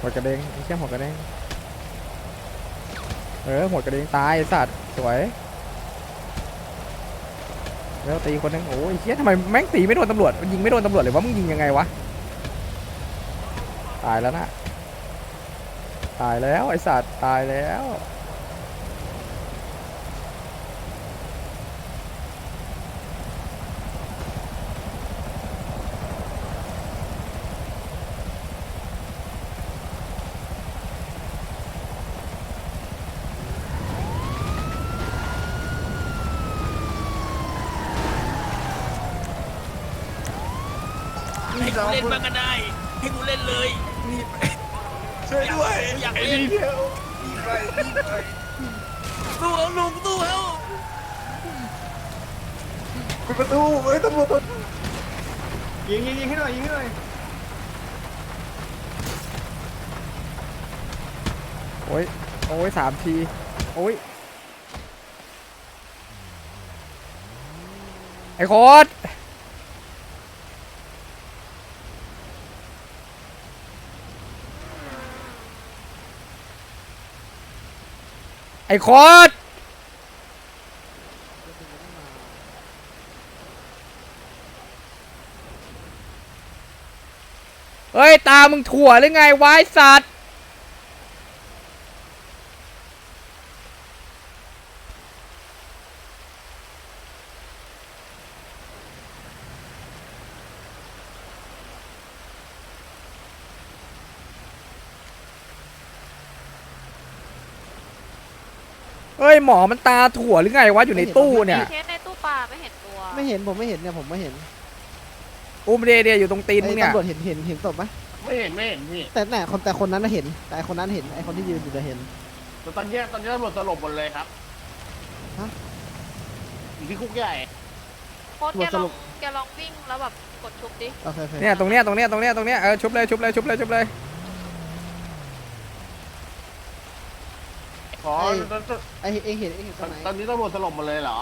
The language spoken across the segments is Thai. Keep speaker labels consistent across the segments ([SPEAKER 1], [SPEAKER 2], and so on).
[SPEAKER 1] วกระเด้งไอ้เชี่ยหัวกระเด้งหัวกระเด้งตายสัตว์สวยแล้วตีคนนึงโอ้ยเชี่ยทำไมแม่งตีไม่โดนตำรวจยิงไม่โดนตำรวจเลยวะมึงยิงยังไงวะตายแล้วนะตายแล้วไอ้สัตว์ตายแล้ว
[SPEAKER 2] ให้กูเล่นบ้างก็ได้ให้กูเล่นเลย
[SPEAKER 3] ช่วยด้วย
[SPEAKER 2] อยากเล่น
[SPEAKER 3] เดียว
[SPEAKER 2] ตู้เอาลุงตู้เอา
[SPEAKER 3] ปิดประตูเฮ้ยตำรวจยิงให้หน่อยยิงให้หน่อย
[SPEAKER 1] โอ้ยโอ้ย3 ทีโอ้ยไอ้โคตรไอ้โคตรเฮ้ยตามึงถั่วหรือไงวายสัตว์เฮ้ยหมอมันตาถั่วหรือไงวะอยู่ในตู้เนี่ย
[SPEAKER 4] เคสในตู้ปลาไม่เห็นตัว
[SPEAKER 5] ไม่เห็นผมไม่เห็นเนี่ยผมไม่เห็น
[SPEAKER 1] อุ้มเดียอยู่ตรงตีนมึงเนี่ย
[SPEAKER 5] ตำรวจเห็นศพไหม
[SPEAKER 3] ไม่เห็นพี่
[SPEAKER 5] แต่คนนั้นน่ะเห็นแต่คนนั้นเห็นไอ้คนที่ยืนอยู่จะเห็น
[SPEAKER 3] แต่ตอนนี้ตำรวจสลบหมดเลยครับอยู่ที่คุกใหญ่
[SPEAKER 4] โคตรแกลองวิ่งแล้วแบบกดชุบดิ
[SPEAKER 1] เนี่ยตรงเนี้ยชุบเลย
[SPEAKER 3] ขอ
[SPEAKER 5] ไอ้เห็นตรงไหน
[SPEAKER 3] ตอนนี้ตำรวจสลบหมดเลยเหรอ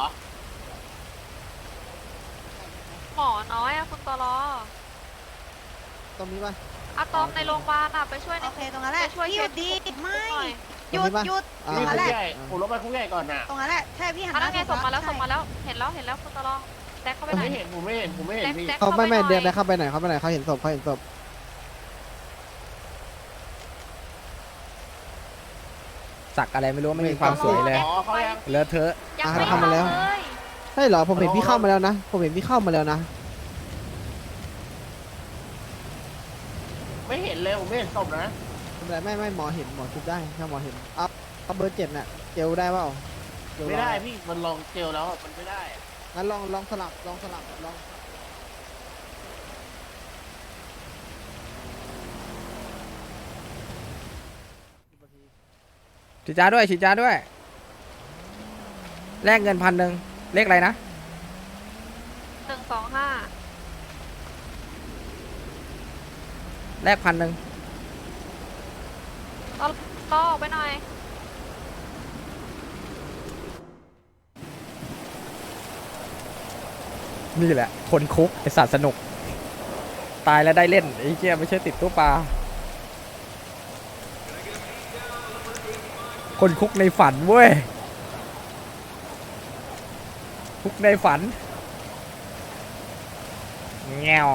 [SPEAKER 4] หมอน้อยอะคุณตลอ
[SPEAKER 5] ตรงนี้ป่ะ
[SPEAKER 4] อะตอมในโรงพยาบาลอะไปช่วยใน
[SPEAKER 6] โอเคตรงนั้นแหละ
[SPEAKER 4] ช่วย
[SPEAKER 6] หยุดดีไม่หยุดตรง
[SPEAKER 3] นี่
[SPEAKER 6] นั้นแหละ
[SPEAKER 3] คุกใหญ่ผมลงไปคุกใหญ่ก่อนนะ
[SPEAKER 6] ตรงนั้นแหละใช่พี่หัน
[SPEAKER 4] อันนั้นไงส่งมาแล้ว
[SPEAKER 6] ใช่
[SPEAKER 4] เห็นแล้วคุณตลอแซกเข้าไปไหน
[SPEAKER 3] ผมไม่เห็นพี่
[SPEAKER 5] เขาไม่เดินไปเข้าไปไหนเขาเห็นศพ
[SPEAKER 1] สักอะไรไม่รู้ไม่มีความสวยเลยเลอะเทอะ
[SPEAKER 4] ยังไม่เข้าเลย
[SPEAKER 5] ใช่เหรอผมเห็นพี่เข้ามาแล้วนะ
[SPEAKER 3] ไม่เห็นเลยผมไม่เห็นศพนะ
[SPEAKER 5] ไม่หมอเห็นหมอชุบได้ถ้าหมอเห็นอัพเบอร์7น่ะเจลได้เปล่า
[SPEAKER 3] ไม่ได้พี่มันลองเจลแล้วมันไม่ได้
[SPEAKER 5] งั้นลองสลับ
[SPEAKER 1] ฉีดจ้าด้วยแลกเงิน1,000เลขอะไรนะ
[SPEAKER 4] 125
[SPEAKER 1] แลก1,000
[SPEAKER 4] ต่อออกไปหน่อย
[SPEAKER 1] นี่แหละคนคุกไอสัตว์สนุกตายแล้วได้เล่นไอ้เหี้ยไม่ใช่ติดตู้ปลาคนคุกในฝันเว้ยคุกในฝันแง่ว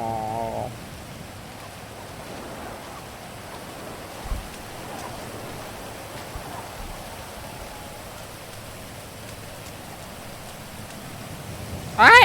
[SPEAKER 1] ไอ้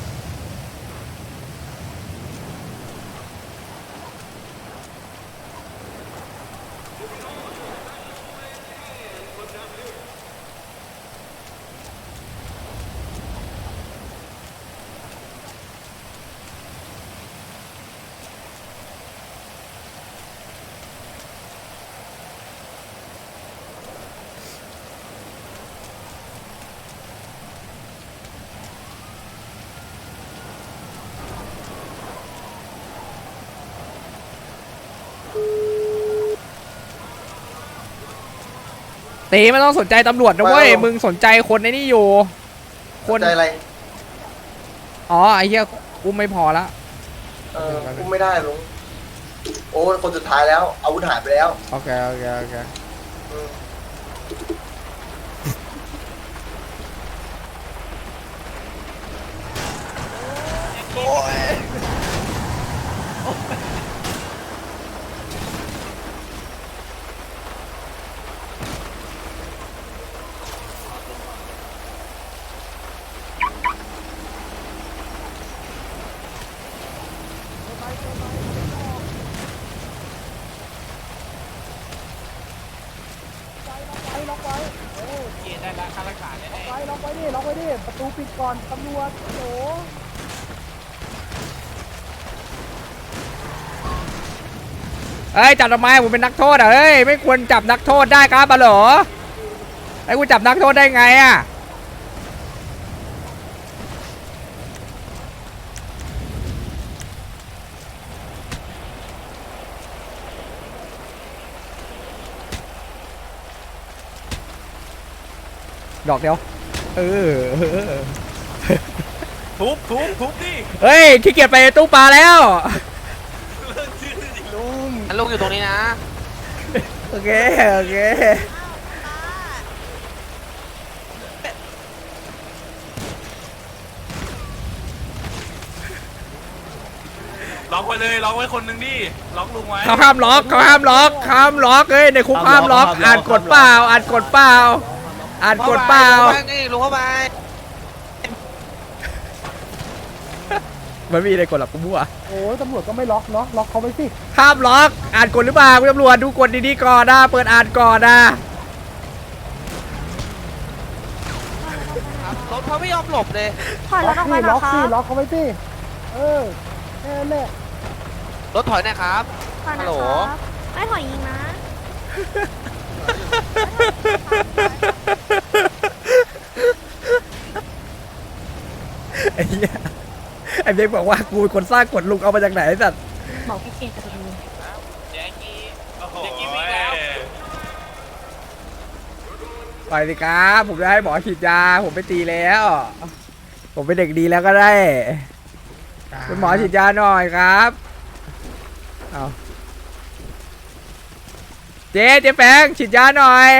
[SPEAKER 1] ตีไม่ต้องสนใจตำรวจนะเว้ยมึงสนใจคนในนี่อยู่คน
[SPEAKER 7] ใจอะไร
[SPEAKER 1] อ๋อไอ้เหี้ยอุ้มไม่พอละ
[SPEAKER 7] อุ้มไม่ได้ลุงโอ้คนสุดท้ายแล้วอาวุธหายไปแล้ว
[SPEAKER 1] โอเคโอเคโอเคเฮ้ยจับทำไมผมเป็นนักโทษอ่ะเฮ้ยไม่ควรจับนักโทษได้ครับบาหรอไอ้กูจับนักโทษได้ไงอ่ะดอกเดียว
[SPEAKER 2] ทุบดิ
[SPEAKER 1] เฮ้ยขี้เกียจไปตู้ปลาแล้ว
[SPEAKER 8] ลุงอยู่ตรงนี้นะ
[SPEAKER 1] โอเคโอเค
[SPEAKER 2] ล็อกไว้เลยล็อกไว้คนหนึ่งดิล็อกลุงไว้
[SPEAKER 1] เขาห้ามล็อกเฮ้ยในคุกห้ามล็อกอ่านกฎเปล่าอ่านกฎเปล่า
[SPEAKER 8] นี่ลุงเข้าไป
[SPEAKER 1] มันมีในกฎหรอกกูมั่ว
[SPEAKER 5] โอ้ยตำรวจก็ไม่ล็อกเนาะล็อกเขาไปสิ
[SPEAKER 1] ห้ามล็อกอ่านกฎหรือเปล่าคุณตำรวจดูกฎดีๆก่อนนะเปิดอ่านก่อนนะ
[SPEAKER 8] รถเขาไม่ยอมหลบเลย
[SPEAKER 6] ถอยรถออกไปหน่
[SPEAKER 5] ล็
[SPEAKER 6] อ
[SPEAKER 5] อย ก
[SPEAKER 6] ค
[SPEAKER 5] สิ
[SPEAKER 6] รับ
[SPEAKER 5] ล็อกเขาไปสิแค่นั้นแหละ
[SPEAKER 8] รถถอยหนะครับ
[SPEAKER 6] ถอยห
[SPEAKER 8] ฮั
[SPEAKER 6] น่
[SPEAKER 8] ลโหล
[SPEAKER 6] อยครับไม่ถอยยิงนะ
[SPEAKER 1] ไอ้เหี้ยไอ้เบคบอกว่ากูเป็นคนสร้างกฎลุงเอามาจากไหนไอ้สัตว์
[SPEAKER 6] บอกพี่เกดกับลุง
[SPEAKER 2] แจ็คกี้วิ่งแล้ว
[SPEAKER 1] ไปสิครับผมจะให้หมอฉีดยาผมไปตีแล้ว ผมเป็นเด็กดีแล้วก็ได้คุณหมอฉีดยาหน่อยครับเอาเจ๊แฟงฉีดยาหน่อย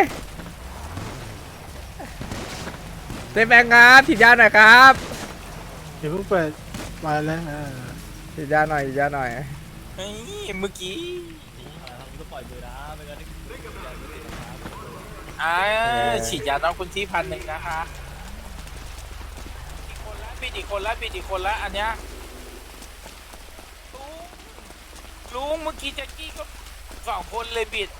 [SPEAKER 1] เจ๊แฟงครับฉีดยาหน่อยครับ
[SPEAKER 5] เดี๋ยวเพิ่งเปิดมาแล้ว
[SPEAKER 1] ฉีดยาหน่อย
[SPEAKER 2] เฮ้ยเมื่อกี้ฉีดยาน้องคุณที่1,000นะคะอีกคนละอันเนี้ยลุงเมื่อกี้แจ็คกี้ก็2 คนเลยบิด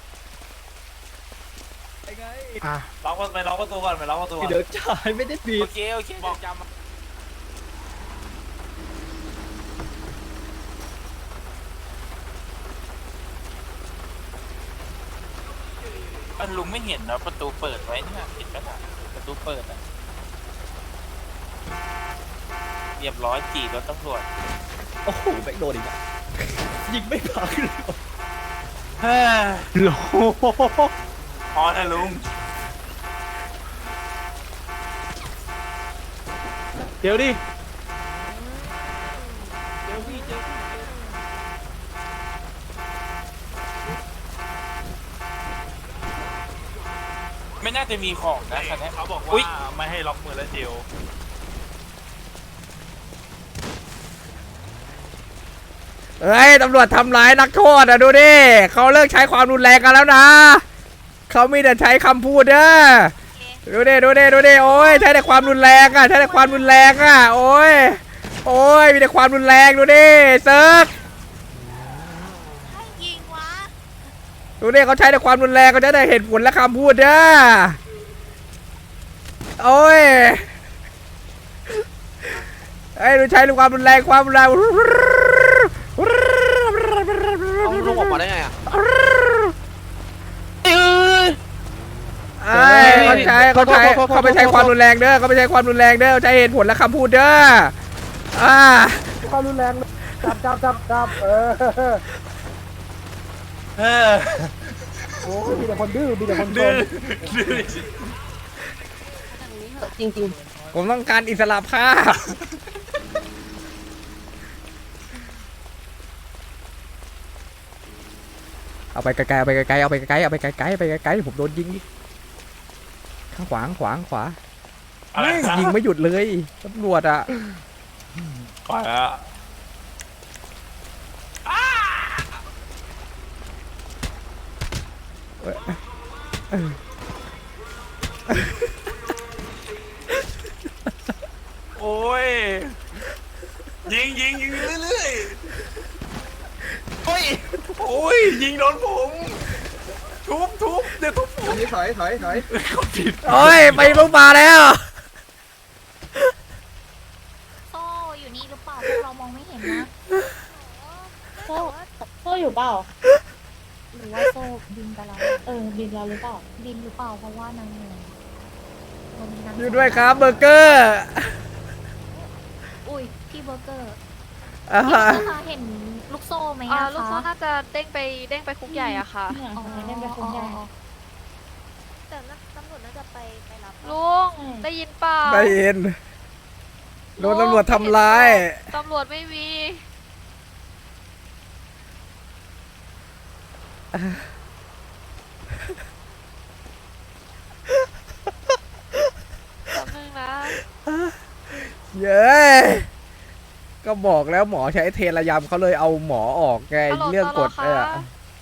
[SPEAKER 2] ล็อกประตูก่อนเดี๋ยวจ่ายไม่ได้บิดโอเคบอกจำลุงไม่เห็นนะประตูเปิดไว้เนี่ยเห็นไหมล่ะประตูเปิดอ่ะเรียบร้อยจีรถตำรวจโอ้โหแบกโดนอีกอ่ะยิงไม่พักเลยโลพอนะลุงเดี๋ยวดิไม่น่าจะมีของนะคันนี้เขาบอกว่าไม่ให้ล็อกมือและเดียว
[SPEAKER 1] เฮ้ยตำรวจทำร้ายนักโทษอ่ะดูดิเขาเลิกใช้ความรุนแรงกันแล้วนะเขามีแต่ใช้คำพูดเด้อดูดิโอ้ยใช้แต่ความรุนแรงอ่ะโอ้ยมีแต่ความรุนแรงดูดิเซิร์ฟ
[SPEAKER 6] ให้ยิงวะ
[SPEAKER 1] ดูดิเขาใช้แต่ความรุนแรงเขาจะได้เหตุผลและคำพูดเด้อโอ้ยดูใช้ความรุนแรง
[SPEAKER 8] ลุงออกมาได้ไงอ่ะ
[SPEAKER 1] เขาไม่ใช้ความรุนแรงเด้อเขาใช้เหตุผลและคำพูดเด้อ
[SPEAKER 5] ความรุนแรงจับโอ้ยมีแต่คนดื้อ
[SPEAKER 6] จริง
[SPEAKER 1] ผมต้องการอิสระภาพเอาไปไกลๆเอาไปไกลๆเอาไปไกลๆเอาไปไกลๆไปไกลๆผมโดนยิงข้างขวางขวาแม่งยิงไม่หยุดเลยตำรวจอ่ะ
[SPEAKER 2] ก่อนแล้ว โอ้ยยิงเรื่อยๆโอ้ยยิงโดนผมทุบเดี๋ยวทุบผม
[SPEAKER 3] นี่ถอย
[SPEAKER 2] เขาผิด
[SPEAKER 1] โอ้ยไปลงมาแล้ว
[SPEAKER 6] โซ่อยู่นี่หรือเปล่าพวกเรามองไม่เห็นนะ
[SPEAKER 9] โซ่อยู่เปล่า
[SPEAKER 6] หรือว่าโซ่บินไปแล้ว
[SPEAKER 9] บินเราหรือเปล่า
[SPEAKER 6] บินหรือเปล่าเพราะว่านางเหนื่อยวันนี้นาง
[SPEAKER 1] อยู่ด้วยครับเบอร์เกอร์
[SPEAKER 6] อุ้ยพี่เบอร์เกอร์
[SPEAKER 1] อ่า
[SPEAKER 6] พี่คะเห็นลูกโซ่ไหมอะ
[SPEAKER 4] ลูกโซ่
[SPEAKER 6] คะ
[SPEAKER 4] น่าจะเด้งไปคุกใหญ่อะค่ะ
[SPEAKER 9] เนี่ยได้ไปคุยกัน
[SPEAKER 6] แต่ตำรวจน่าจะไปรับ
[SPEAKER 4] ลุงได้ยินเปล่า
[SPEAKER 1] ได้ยินโดนตำรวจทำร้าย
[SPEAKER 4] ตำรวจไม่มีแป๊บนึงนะ
[SPEAKER 1] เย้ก็บอกแล้วหมอใช้เทระยำเขาเลยเอาหมอออกไง
[SPEAKER 4] ฮัลโหล
[SPEAKER 1] เรื่องกฎ
[SPEAKER 4] ตล
[SPEAKER 1] เนี่ย
[SPEAKER 4] คะ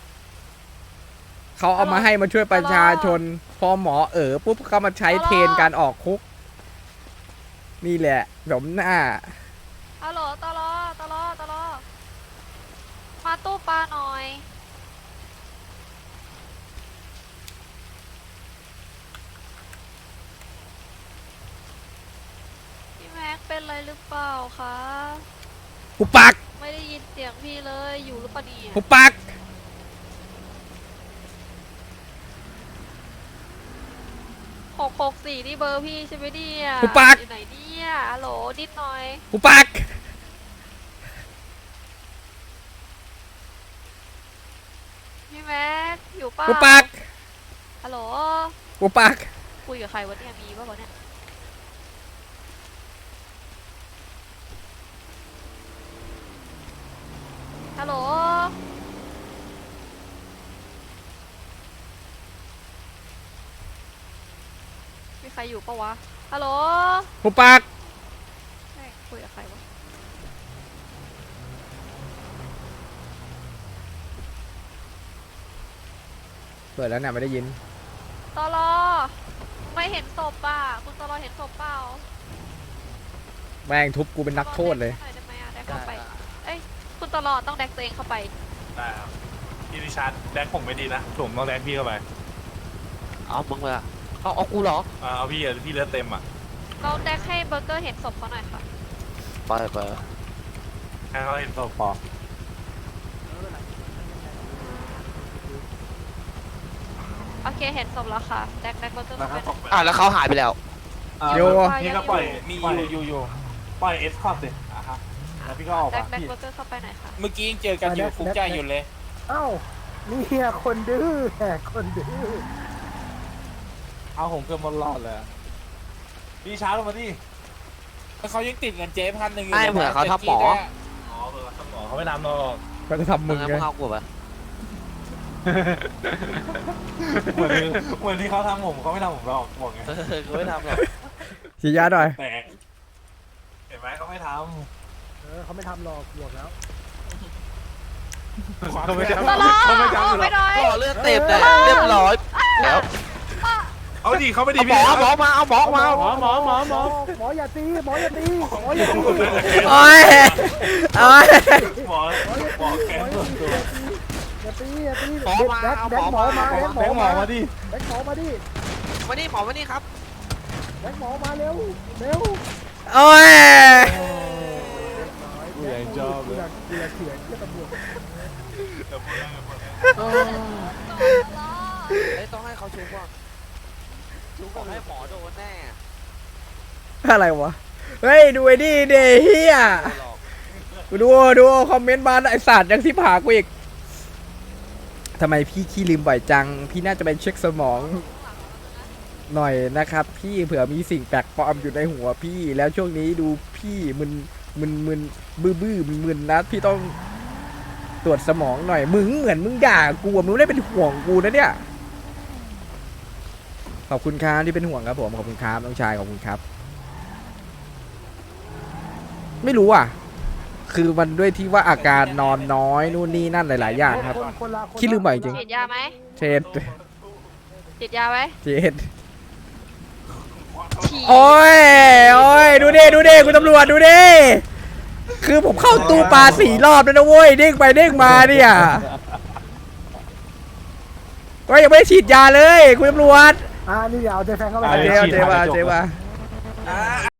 [SPEAKER 1] เขาเอามาให้มาช่วยประชาชน พอหมอปุ๊บเขามาใช้เทรนการออกคุก นี่แหละสมหน้า
[SPEAKER 4] ฮัลโหลตลอมาตู้ปลาหน่อย พี่แม็กเป็นอะไรหรือเปล่าคะ
[SPEAKER 1] หุบปาก
[SPEAKER 4] ไม่ได้ยินเสียงพี่เลยอยู่หรือเปล่าเนี่ย
[SPEAKER 1] หุบปาก
[SPEAKER 4] 664นี่เบอร์พี่ใช่ไหมเนี่ย
[SPEAKER 1] หุบปาก
[SPEAKER 4] อยู่ไหนเนี่ยฮัลโหลนิดหน่อย
[SPEAKER 1] หุบปาก
[SPEAKER 4] พี่แม็กอยู่เปล่า
[SPEAKER 1] หุบปาก
[SPEAKER 4] ฮัลโหล
[SPEAKER 1] หุบปาก
[SPEAKER 4] คุยกับใครวะเนี่ยมีป่ะวะเนี่ยฮัลโหลมีใครอยู่ปะวะฮัลโหล
[SPEAKER 1] หุบปาก
[SPEAKER 4] แม่งคุยกับใครวะ
[SPEAKER 1] เปิดแล้วเนี่ยไม่ได้ยิน
[SPEAKER 4] ตลอไม่เห็นศพป่ะคุณตลอเห็นศพเปล่า
[SPEAKER 1] แม่งทุบกูเป็นนักโทษเลย
[SPEAKER 4] แดกหน่อได้ไหมอะแดกเข้าไปเอ้ยคุณตลอต้องแดกตัวเองเข้าไป
[SPEAKER 2] ได้ครับพี่ริชาร์ดแดกผมไม่ดีนะผมต้องแดกพี่เข้าไป
[SPEAKER 8] เอามึงเลยอะเอากูเหรอ
[SPEAKER 2] เอาพี่เลือดเต็มอ่ะ
[SPEAKER 4] เราแดกให้เบอร์เกอร์เห็นศพเขาหน่อยค่ะ
[SPEAKER 8] ไป
[SPEAKER 2] ให้เขาเห็นศพพอ
[SPEAKER 4] โอเคเห็นศพแล้วค่ะแดกเบอร์เกอร์เข้าไปหน่อย
[SPEAKER 8] แล้วเขาหายไปแล้ว
[SPEAKER 1] โย
[SPEAKER 2] พี่ก็ปล่อยมีอยู่ปล่อยเอสคอร์ดดิครับแล้วพี่ก็ออก
[SPEAKER 4] แด
[SPEAKER 2] มาก
[SPEAKER 4] เบอร์เกอร์เข้าไปหน่อยค่ะ
[SPEAKER 2] เมื่อกี้ยังเจอกันอยู่คุกใหญ่อยู่เลย
[SPEAKER 5] เอ้านี่คนดื้อแหกคนดื้อ
[SPEAKER 2] เอาผมเกือบหมดหลอดเลยพี่ช้าลงมาดิเขายังติดเงินเจ๊1,000อยู่
[SPEAKER 8] ไม่เหมือนเขาทำหมอ
[SPEAKER 2] อ๋อเผื่อเขาทำหมอเขาไม่ทำหรอก
[SPEAKER 1] ก็จะทำมึง
[SPEAKER 8] งั้น
[SPEAKER 1] ไง
[SPEAKER 8] มึงเอากูไป
[SPEAKER 2] เหมือนที่เขาทำผมเขาไม่ทำผมหรอกบอกไง
[SPEAKER 8] กูไม่ทำหรอก
[SPEAKER 1] ฉีดยาหน่อย
[SPEAKER 2] แตกเห็นไหมเขาไม่ท
[SPEAKER 5] เขาไม่ทำหรอกบวกแล้ว
[SPEAKER 2] ำเขาไม่ทำ
[SPEAKER 4] ตลอออกไปหน่อย
[SPEAKER 8] หล่อเลือดเต็มเลยเรียบร้อยแล้ว
[SPEAKER 2] เอาดิเขาไม่ดี
[SPEAKER 8] เอาหม
[SPEAKER 2] พี่
[SPEAKER 8] อมาเอาหมอมา
[SPEAKER 5] หมออย่าตีหมออย่าตีหมออย่าตี
[SPEAKER 1] โอ้ยโอ้ย
[SPEAKER 2] หมอแกนส่วนตัว
[SPEAKER 5] อย่าตีอย่าตี
[SPEAKER 8] หมอมา
[SPEAKER 5] แดก
[SPEAKER 8] เอา
[SPEAKER 5] แด
[SPEAKER 8] หม
[SPEAKER 5] ก
[SPEAKER 8] อ
[SPEAKER 5] หมอ
[SPEAKER 8] มา
[SPEAKER 5] มาแดกหมอ
[SPEAKER 2] หมอ
[SPEAKER 5] มา
[SPEAKER 2] มาดิ
[SPEAKER 5] แดกหมอมาดิ
[SPEAKER 8] มานี่หมอมานี่ครับ
[SPEAKER 5] แดกหมอมาเร็วเร็ว
[SPEAKER 1] โอ้ย
[SPEAKER 2] กูยังชอบเลย
[SPEAKER 5] กูอยากเถียงกับตำรวจ
[SPEAKER 8] ต้องให้เขาชูก่อนชูก่อนให้หมอโดนแน่
[SPEAKER 1] อะไรวะ เฮ้ย ดูไอ้นี่เดเฮียดูคอมเมนต์มาไอสัตว์ยังที่ผากูอีกทำไมพี่ขี้ลืมบ่อยจัง พี่น่าจะไปเช็คสมองหน่อยนะครับ พี่เผื่อมีสิ่งแปลกปลอมอยู่ในหัวพี่แล้วช่วงนี้ดูพี่มึนบื้อมึนนะพี่ต้องตรวจสมองหน่อยมึงเหมือนมึงด่ากูอะมึงไม่ได้เป็นห่วงกูนะเนี่ยขอบคุณครับที่เป็นห่วงครับผมขอบคุณครับน้องชายขอบคุณครับ ไม่รู้อ่ะ คือมันด้วยที่ว่าอาการนอนน้อยนู่นนี่นั่นหลายๆอย่างครับคิดลืมไปจริง
[SPEAKER 4] ฉีดยาไหม
[SPEAKER 1] เช็ด
[SPEAKER 4] ฉีดยาไหม
[SPEAKER 1] เช็ด
[SPEAKER 4] ฉีด
[SPEAKER 1] โอ้ยโอ้ยดูดิคุณตำรวจดูดิคือผมเข้าตู้ปลา4 รอบแล้วนะเว้ยเด้งไปเด้งมาเนี่ยก็ยังไม่ได้ฉีดยาเลยคุณตำรวจ
[SPEAKER 3] นี่เดี๋ยวเอาใจแฟนเข้าไป
[SPEAKER 1] เจ๊มา